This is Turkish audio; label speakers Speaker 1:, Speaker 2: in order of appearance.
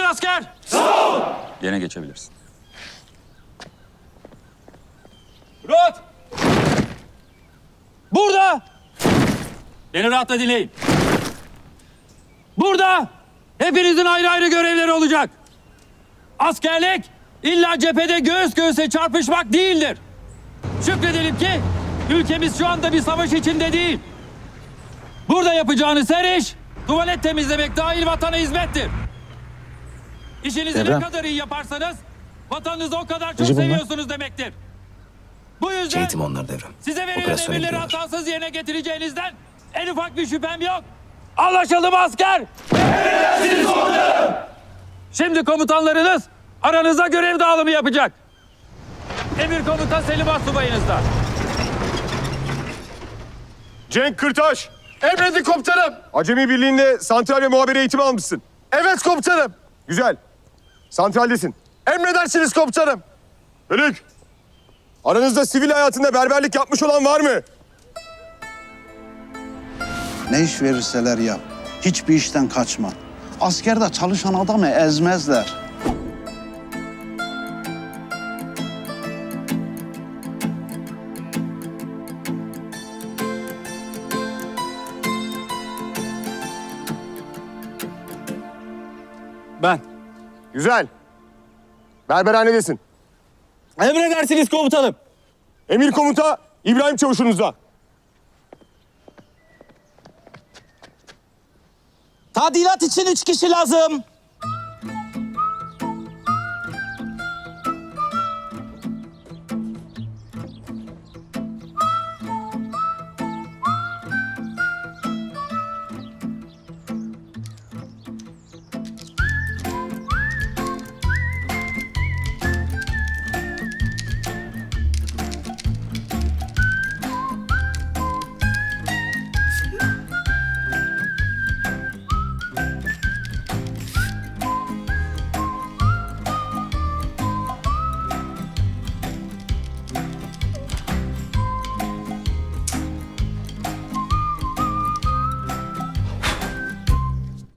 Speaker 1: asker.
Speaker 2: Sağ ol.
Speaker 1: Yerine geçebilirsin. Rot! Burada! Beni rahatla dinleyin. Burada hepinizin ayrı ayrı görevleri olacak. Askerlik illa cephede göğüs göğüse çarpışmak değildir. Şükredelim ki ülkemiz şu anda bir savaş içinde değil. Burada yapacağınız her iş tuvalet temizlemek dahil vatana hizmettir. İşinizi
Speaker 3: Devrem.
Speaker 1: ne kadar iyi yaparsanız vatanınızı o kadar çok
Speaker 3: Recep bunlar.
Speaker 1: seviyorsunuz demektir. Bu yüzden
Speaker 3: Eğitim onlar Devrem.
Speaker 1: size verilen
Speaker 3: Operasyona
Speaker 1: emirleri
Speaker 3: gidiyorlar.
Speaker 1: hatasız yerine getireceğinizden en ufak bir şüphem yok. Anlaşıldı mı asker?
Speaker 2: Emredersiniz komutanım.
Speaker 1: Şimdi komutanlarınız aranızda görev dağılımı yapacak. Emir komutan Selim Astsubayınızda.
Speaker 4: Cenk Kırtaş. Emredin komutanım. Acemi Birliği'nde santral ve muhabere eğitimi almışsın. Evet komutanım. Güzel. Santraldesin. Emredersiniz komutanım. Bölük. Aranızda sivil hayatında berberlik yapmış olan var mı?
Speaker 5: Ne iş verirseler yap. Hiçbir işten kaçma. Askerde çalışan adamı ezmezler.
Speaker 1: Ben.
Speaker 4: Güzel. Berberhanedesin.
Speaker 1: Emredersiniz komutanım.
Speaker 4: Emir komuta İbrahim Çavuş'unuzda.
Speaker 6: Tadilat için 3 kişi lazım.